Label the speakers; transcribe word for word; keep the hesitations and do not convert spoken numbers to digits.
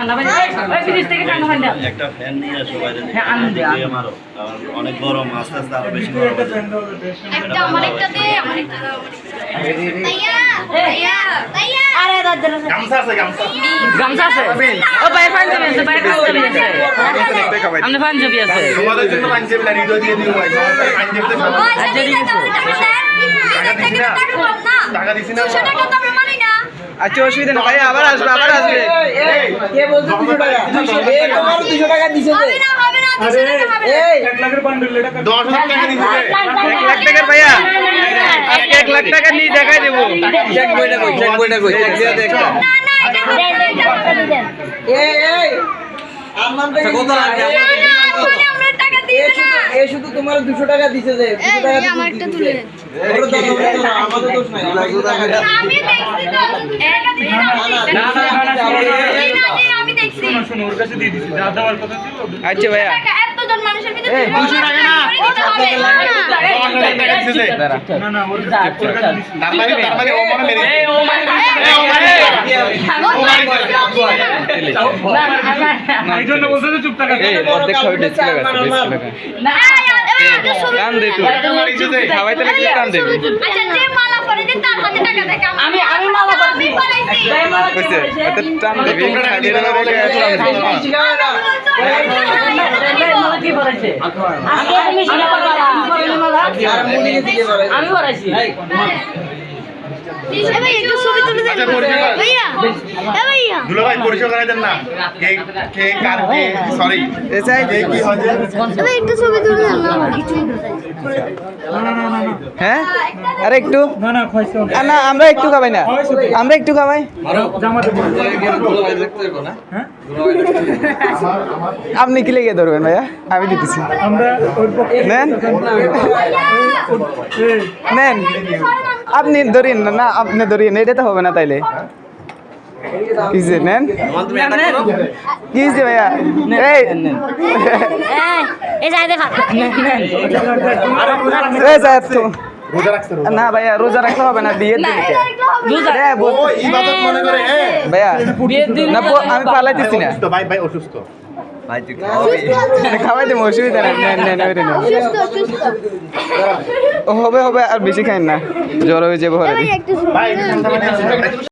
Speaker 1: একটা ফ্যান নিয়ে আসো বাইরে থেকে মারো অনেক গরম আস্তে আস্তে আরো বেশি গরম
Speaker 2: একটা অনেকটা দে অনেকটা তাইয়া তাইয়া তাইয়া আরে দাদা
Speaker 1: গামছা আছে গামছা
Speaker 3: গামছা আছে ও বাইরে পাঞ্জাবি আছে বাইরে পাঞ্জাবি আছে আমনে পাঞ্জাবি আছে
Speaker 1: তোমাদের জন্য পাঞ্জাবি না হৃদয় দিয়ে দিও ভাই পাঞ্জাবিতে খাবো টাকা দিছি না
Speaker 2: দুশো টাকা তো আমরা মানি না
Speaker 4: আচ্ছা অসুবিধা না ভাই আবার আসবে আবার আসবে কে বলছো দুশো টাকা এই তোমার দুশো টাকা দিছে
Speaker 2: হবে না হবে না দুশো টাকা হবে না
Speaker 4: এই
Speaker 1: এক লাখের বান্ডেল টাকা দশ হাজার টাকা দিছি
Speaker 4: এক লাখ টাকার ভাইয়া আজকে এক লাখ টাকা নিয়ে দেখাই দেব চেক বইটা কই চেক বইটা কই চেক দিয়ে দেখ
Speaker 2: না না এটা টাকা দেন
Speaker 4: এই এই আমার থেকে কত লাগে
Speaker 2: আমরা টাকা দিই না
Speaker 4: এই শুধু তোমার দুশো টাকা দিছে যে দুশো টাকা
Speaker 2: এই আমার একটা তুলে
Speaker 4: আমাদের দোষ নাই
Speaker 2: আমি দেখছি তো একা দিই না আমি দেখছি
Speaker 1: শুনো ওর কাছে দিয়ে দিছি যা দেওয়ার কথা ছিল
Speaker 4: আচ্ছা ভাইয়া
Speaker 2: টাকা এতজন মানুষের ভিতরে
Speaker 1: দুশো টাকা না দশ হাজার টাকা দিছে না না ওর কাছে দিছি তার মানে তার মানে ও মনে মেরে এই ও মানে না এই জন্য বলছে যে চুপ টাকা
Speaker 4: এই অর্ধেক খাবে ডিসপ্লে আছে ডিসপ্লে
Speaker 2: না
Speaker 4: কান দে তুই খাওয়াইতে লাগলে কান দে
Speaker 2: আচ্ছা যে মালা পরে দিন তার হাতে টাকা দেখ
Speaker 3: আমি আমি মালা
Speaker 2: আমি পরাইছি
Speaker 4: কইছে এত টান দিবি খালি না বলে
Speaker 3: মালা কি পড়াইছে আগে তুমি শিখা পারলা আমি পড়াইনি মালা আমি পড়াইছি
Speaker 2: এ ভাই একটু ছবি তুলে দেন ভাইয়া এ ভাইয়া
Speaker 1: দুলা ভাই পরিচয় করাই দেন না কে কে কার কে সরি
Speaker 4: এসাই
Speaker 1: কে কি হচ্ছে
Speaker 2: এ ভাই একটু ছবি তুলে দেন না আমার কিছু
Speaker 4: হ্যাঁ আরে একটু না না খাইছো না আমরা একটু খাবাই না আমরা একটু খাবাই আপনি কি লেগে ধরবেন ভাইয়া আমি দিতেছি নেন নেন আপনি ধরিন না আপনি ধরিন এটা তো হবে না তাইলে কিসে নেন কিসে ভাইয়া এই
Speaker 2: এই যাই দেখা
Speaker 4: এই সাহেব তো
Speaker 1: রোজা রাখতে
Speaker 4: না ভাইয়া রোজা রাখতে হবে না বিয়ের দিনকে
Speaker 1: ও ইবাদত মনে করে এ
Speaker 4: ভাইয়া না আমি পালাইতেছি না
Speaker 1: অসুস্থ ভাই ভাই অসুস্থ
Speaker 4: ভাই তুই খাওয়াই দেবো অসুবিধা নেই নেন নেন
Speaker 2: সুস্থ সুস্থ
Speaker 4: হবে হবে আর বেশি খাইন না জ্বর হয়ে যাবো
Speaker 2: ভাই একটু
Speaker 1: ভাই